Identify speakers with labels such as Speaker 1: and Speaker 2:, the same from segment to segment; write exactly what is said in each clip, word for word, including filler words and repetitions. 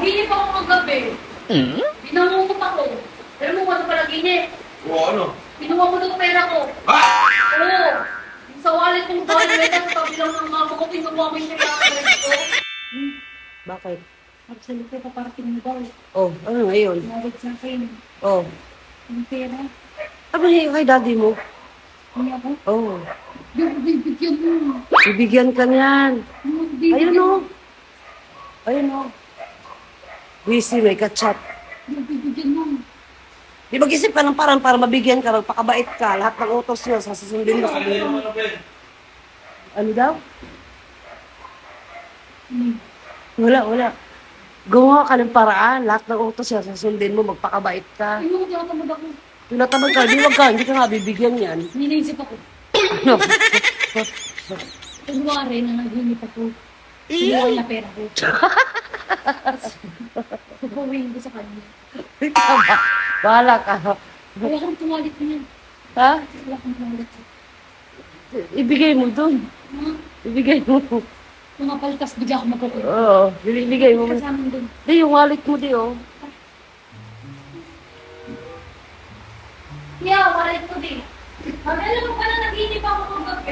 Speaker 1: Naginip ako kagabi.
Speaker 2: Hmm?
Speaker 1: Binangungot ako. Alam mo kung ano pala ginip?
Speaker 3: O ano?
Speaker 1: Kinuha mo daw pera ko.
Speaker 3: Ha?
Speaker 1: Oo. Yung sa wallet kong dollar, sa tabi lang ng mama ko, kinuha mo yung kailangan ko. Hmm.
Speaker 2: Bakit?
Speaker 1: Magsalit ko pa para kinuha.
Speaker 2: Oh, ano ngayon?
Speaker 1: Tumawag sa akin.
Speaker 2: Oh.
Speaker 1: Yung pera.
Speaker 2: Ano yung kay daddy mo?
Speaker 1: Hindi ako.
Speaker 2: Oh.
Speaker 1: Yung bibigyan mo.
Speaker 2: Bibigyan ka niyan.
Speaker 1: Yung bibigyan
Speaker 2: Ayun
Speaker 1: mo.
Speaker 2: o. Ayun o. Busy, may kachat.
Speaker 1: Yung bibigyan mo.
Speaker 2: Di mag-isip ka ng parang para mabigyan ka, magpakabait ka. Lahat ng utos niya, sasusundin mo sa iyo. Ano daw?
Speaker 1: Hmm.
Speaker 2: Wala, wala. Gumawa ka ng paraan. Lahat ng utos niya, sasusundin mo, magpakabait ka.
Speaker 1: Ayun, tinatamad ako.
Speaker 2: Tinatamad ka, di wag ka, hindi ka nga bibigyan yan.
Speaker 1: Ninaisip ako.
Speaker 2: Ano?
Speaker 1: Kunwari na naginip ako. Kinuha niya pera ko. Papawiin ko sa kanya.
Speaker 2: Tama. Bahala ka.
Speaker 1: Wala kang tumalit niya.
Speaker 2: Ha?
Speaker 1: Wala kang tumalit.
Speaker 2: Ibigay mo dun.
Speaker 1: Mga,
Speaker 2: Ibigay mo.
Speaker 1: mga paltas, bigla ako magkukulit.
Speaker 2: Oo, ibigay mo.
Speaker 1: Kasama doon.
Speaker 2: Di, yung wallet mo di, oh.
Speaker 1: Yeah, wallet ko din. Alam mo pala, naginip ako kagabi.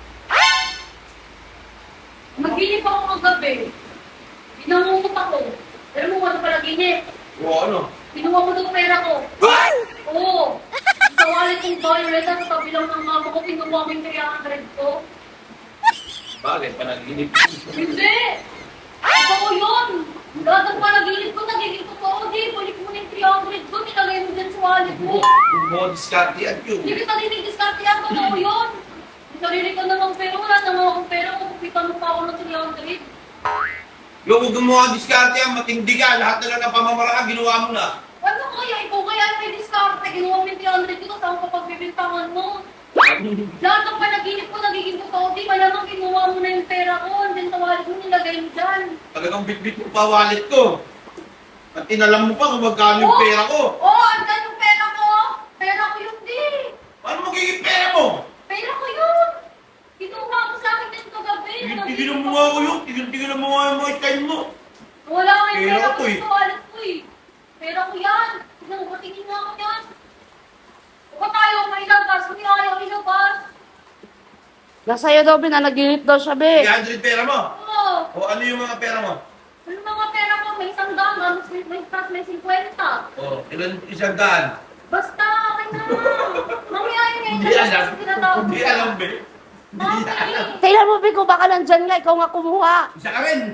Speaker 1: Naginip ako kagabi. Binangungot ako. Alam mo kung ano pala ginip?
Speaker 3: O ano?
Speaker 1: Kinuha mo daw pera ko. Oo. Sa wallet kong dollar, sa tabi lang ng mama ko, kinuha mo yung three hundred ko.
Speaker 3: Bakit? Panaginip.
Speaker 1: Hindi! Totoo yun! Lahat ng panaginip ko, nagiging totoo. Di, balik mo na yung three hundred ko, nilagay mo dyan sa wallet mo.
Speaker 3: Kung mo diskarte yan yun.
Speaker 1: Hindi kita dinidiscard yan, totoo yun. Sarili ko na ng pera, wala na nga akong pera, kukupitan mo pa ako ng three hundred.
Speaker 3: Yung huwag mo ang diskarte yan, matindi ka. Lahat na lang ng pamamaraan, ginawa mo na.
Speaker 1: Ano kaya? Ikaw kaya may discard, kinuha mo yung three hundred ko, saan ko pagbibintangan mo? Lahat ng panaginip ko nagiging totoo, di malamang kinuha mo na yung pera ko, andyan sa wallet mo, nilagay mo dyan.
Speaker 3: Talagang bitbit mo pa wallet ko. At inalam mo pa kung magkano yung pera ko.
Speaker 1: Oo, oh, andyan yung pera ko. Pera ko yun, di.
Speaker 3: Paano magiging pera mo?
Speaker 1: Pera ko yun. Kinuha mo sa akin din kagabi.
Speaker 3: Tigil-tigil mo nga ako yun. Tigil-tigil mo nga yung mga style mo.
Speaker 1: Wala nga yung
Speaker 3: Pera
Speaker 1: pera
Speaker 3: ko
Speaker 1: ko
Speaker 3: eh.
Speaker 1: sa wallet ko eh. Pera ko yan. Tignan mo, patingin nga ako yan. Huwag tayo, may ilabas. Hindi ayaw ilabas.
Speaker 2: Nasa iyo daw, binanaginip daw siya, be.
Speaker 3: three hundred pera mo.
Speaker 1: Oo.
Speaker 3: O ano yung mga pera mo?
Speaker 1: Ano mga pera ko? May isang daan, mas may, may, mas may fifty.
Speaker 3: O, ilan isang daan?
Speaker 1: Basta, akin na. Mamaya yun eh.
Speaker 3: Hindi alam.
Speaker 1: Tinatawag
Speaker 3: Hindi
Speaker 1: ko.
Speaker 3: alam, be. Hindi
Speaker 1: Mami.
Speaker 3: alam.
Speaker 2: Tingnan mo, be, kung baka nandyan nga, ikaw nga kumuha.
Speaker 3: Isa ka rin.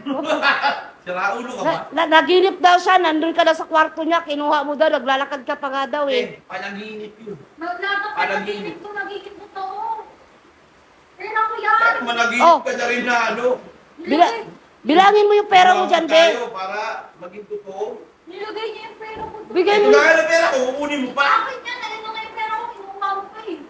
Speaker 3: Sira ulo ka ba?
Speaker 2: Na, na, naginip daw siya, nandun ka na sa kwarto niya, kinuha mo daw, naglalakad ka pa nga daw, eh.
Speaker 3: Eh, panaginip yun.
Speaker 1: Lahat ng panaginip ko nagiging totoo. Pera ko yan.
Speaker 3: Bakit managinip
Speaker 2: Oh.
Speaker 3: ka na rin na ano?
Speaker 2: Bila, bilangin mo yung pera mo dyan, be.
Speaker 3: Tayo para maging totoo.
Speaker 1: Nilagay niya yung pera ko.
Speaker 2: Bigay
Speaker 3: Ito
Speaker 2: mo.
Speaker 3: na nga pera ko, kukunin mo pa.
Speaker 1: Akin yan, alin na nga yung pera ko, kinuha mo pa eh.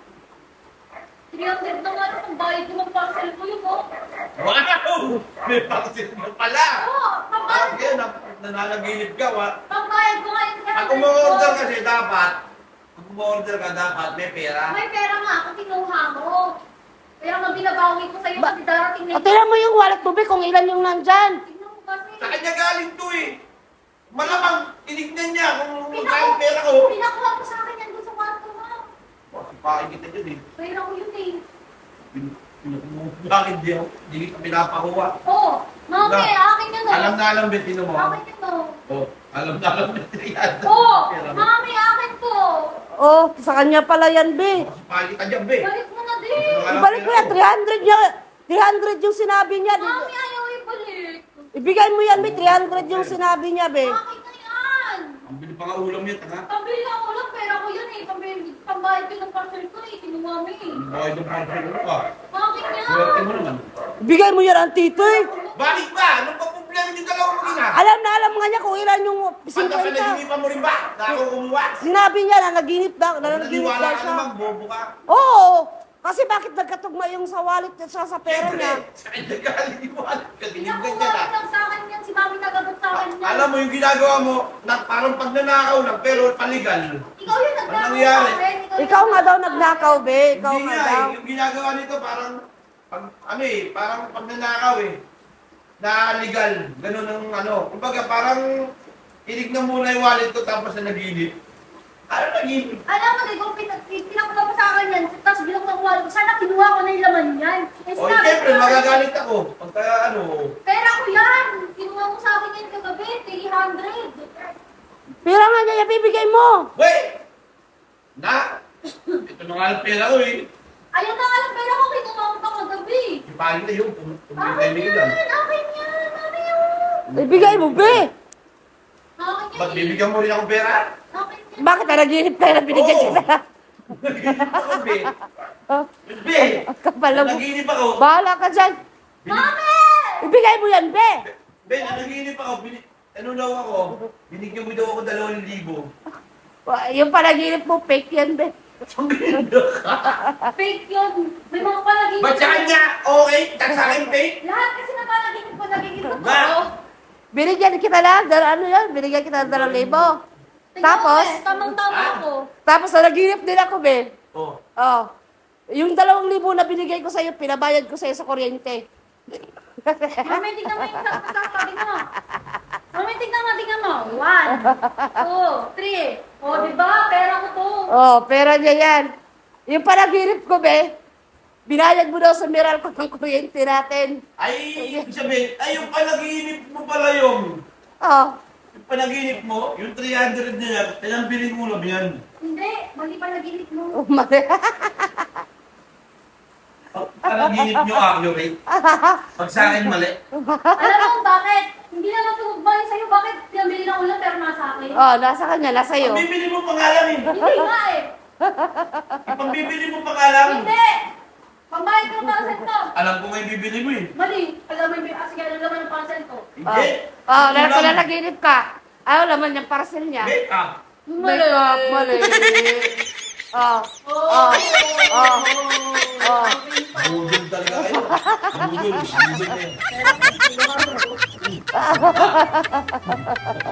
Speaker 1: three hundred na nga lang, ang bayad ko ng parcel ko yun, oh.
Speaker 3: Wow! May parcel mo pala.
Speaker 1: Oo, pambayad
Speaker 3: Ah,
Speaker 1: ko.
Speaker 3: yan, na- nananaginip ka, wa?
Speaker 1: Pambayad ko nga yung three
Speaker 3: Ako
Speaker 1: hundred
Speaker 3: mo
Speaker 1: ko.
Speaker 3: order kasi dapat, ako mo order ka dapat, may pera.
Speaker 1: May pera nga ako, kinuha mo. Kaya nga binabawi ko sa'yo
Speaker 2: Ba-
Speaker 1: kasi darating na
Speaker 2: O, tingnan mo yung wallet mo, be, kung ilan yung nandyan.
Speaker 1: Tignan mo kasi.
Speaker 3: Sa kanya galing to eh. Malamang, tinignan niya kung
Speaker 1: Pinaku-
Speaker 3: magkano pera ko.
Speaker 1: Pinakuha ko sa akin yan doon sa kwarto mo.
Speaker 3: Sipain kita dyan eh.
Speaker 1: Pera ko yun eh.
Speaker 3: Pin- Pinakuha. Bakit di ako? Di kita pinapakuha.
Speaker 1: Oo, mami,
Speaker 3: Na-
Speaker 1: akin yun oh.
Speaker 3: Alam na alam, Betino mo.
Speaker 1: Akin yun oh.
Speaker 3: Oh, alam na alam, Betino.
Speaker 1: Oo, mami, akin to.
Speaker 2: Oh, sa kanya pala yan, be.
Speaker 3: Sipain kita dyan, be.
Speaker 1: Balik mo na din.
Speaker 2: Ibalik mo yan, three hundred niya. three hundred yung sinabi niya.
Speaker 1: Mami, ayaw ibalik.
Speaker 2: Ibigay mo yan, be. three hundred yung sinabi niya, be.
Speaker 1: Akin na yan.
Speaker 3: Ang bili pa nga ulam yan, tanga.
Speaker 1: Pambili ako lang, pera ko yun eh. Pambili, pambayad ko ng parcel ko eh. Kinuha mo eh.
Speaker 3: Bakit yung parcel mo ka?
Speaker 1: Akin
Speaker 3: Swerte
Speaker 1: yan.
Speaker 3: mo naman.
Speaker 2: Ibigay mo yan ang tito, eh.
Speaker 3: Bakit ba? Anong pa problema yung dalawang mag-ina?
Speaker 2: Alam na alam nga niya kung ilan yung
Speaker 3: Pagka
Speaker 2: fifty.
Speaker 3: pinag-inipan mo rin ba? Na ako kumuha?
Speaker 2: Sinabi niya na naginip daw, na naginip
Speaker 3: Naniwala
Speaker 2: daw
Speaker 3: ka
Speaker 2: siya.
Speaker 3: naman, bobo ka.
Speaker 2: Oo, kasi bakit nagkatugma yung sa wallet at siya sa pera niya?
Speaker 3: Siyempre, sa kanya galing yung wallet ka. Tinignan
Speaker 1: Pinakuha
Speaker 3: niya na.
Speaker 1: ko lang sa akin yan. Si mami nagagot sa akin yan.
Speaker 3: Alam mo yung ginagawa mo, na parang pagnanakaw lang, pero paligal.
Speaker 1: Ikaw yung
Speaker 3: Ano
Speaker 1: nagnakaw
Speaker 3: nangyari?
Speaker 1: sa akin. yung
Speaker 2: Ikaw nga daw
Speaker 1: nagnakaw.
Speaker 2: nagnakaw, be. Ikaw
Speaker 3: Hindi
Speaker 2: nga
Speaker 3: nga
Speaker 2: daw.
Speaker 3: eh, yung ginagawa nito parang, pag, ano eh, parang pagnanakaw eh. na legal. Ganun ang ano. Kumbaga parang tinignan muna yung wallet ko tapos na naginip. Ano naginip?
Speaker 1: Alam mo, di ko pin- pinapunta pa sa akin yan. Tapos bilang nakuha ko, sana kinuha ko na yung laman yan. Eh,
Speaker 3: O,
Speaker 1: sinabi
Speaker 3: siyempre,
Speaker 1: ko na-
Speaker 3: magagalit ako. Pagka ano,
Speaker 1: Pera ko yan! Kinuha mo sa akin yan kagabi, three hundred.
Speaker 2: Pira nga niya, bibigay mo.
Speaker 3: wait! Na! Ito na nga ang pera ko eh.
Speaker 1: Ayun na nga lang pera ko, kinuha mo pa kagabi.
Speaker 3: Ipagin na yun. Kung kung
Speaker 1: Akin
Speaker 3: may time
Speaker 1: yan!
Speaker 3: lang.
Speaker 1: Akin yan! Ano yun?
Speaker 2: Ibigay mo, be.
Speaker 1: Akin yan
Speaker 3: Ba't
Speaker 1: eh.
Speaker 3: bibigyan mo rin akong pera?
Speaker 1: Akin yan.
Speaker 2: Bakit na nag-iinip tayo na binigyan
Speaker 3: Oo.
Speaker 2: kita?
Speaker 3: Naginip ako, be.
Speaker 2: Oh,
Speaker 3: Be!
Speaker 2: kapal mo.
Speaker 3: Naginip ako.
Speaker 2: Bahala ka dyan.
Speaker 1: Mami!
Speaker 2: Ibigay mo yan, be.
Speaker 3: Be, naginip ako. Bini- ano daw ako? Binigyan mo daw ako dalawang libo.
Speaker 2: Wa- Yung panaginip mo, fake yan, be.
Speaker 3: Ang ganda ka.
Speaker 1: Fake yun. May mga panaginip.
Speaker 3: Ba't sa kanya? Okay? Tapos sa akin, fake?
Speaker 1: Lahat kasi na panaginip ko, nagiging totoo.
Speaker 3: Ma!
Speaker 2: Binigyan kita na, dar ano yan, binigyan kita ng dalawang libo.
Speaker 1: Tingnan
Speaker 2: Tapos?
Speaker 1: mo, eh, tamang-tama
Speaker 3: Ah.
Speaker 1: ako.
Speaker 2: Tapos nanaginip din ako, be.
Speaker 3: Oh.
Speaker 2: Oh. Yung dalawang libo na binigay ko sa'yo, pinabayad ko sa'yo sa kuryente.
Speaker 1: Mami, tingnan mo yung sabi mo. Mami, tingnan mo, tingnan mo. One, two, three. O, di ba? Pera ko to.
Speaker 2: Oh, pera niya yan. Yung panaginip ko, be, binayad mo daw sa miral ko ng kuryente natin.
Speaker 3: Ay, ibig sabihin, ay, yung panaginip mo pala yung.
Speaker 2: Oh.
Speaker 3: Yung panaginip mo, yung three hundred na yan, kailang bilhin mo lang yan.
Speaker 1: Hindi, mali panaginip mo.
Speaker 2: Oh, mali.
Speaker 3: Pag panaginip nyo accurate, pag sa akin mali.
Speaker 1: Alam mo bakit? Hindi naman tumugbayin sa'yo. Bakit pinabili ng ulam pero nasa akin?
Speaker 2: Oh, nasa kanya, nasa iyo.
Speaker 3: Ang bibili mo pangalan eh.
Speaker 1: Hindi nga eh.
Speaker 3: Ang bibili mo pangalan.
Speaker 1: Hindi. Pambayad ko ng parcel ko.
Speaker 3: Alam ko nga yung bibili mo eh.
Speaker 1: Mali. Alam mo yung ah, sige, alam naman ng parcel ko.
Speaker 2: Oh,
Speaker 3: Hindi.
Speaker 2: oh
Speaker 3: Ano
Speaker 2: na,
Speaker 3: lang?
Speaker 2: na naginip ka. Ayaw naman yung parcel niya.
Speaker 3: Make up.
Speaker 2: Mali. Mali. Oh. Oh. Oh. Oh.
Speaker 3: Budol talaga kayo. Budol. Budol na yun.
Speaker 1: Pero,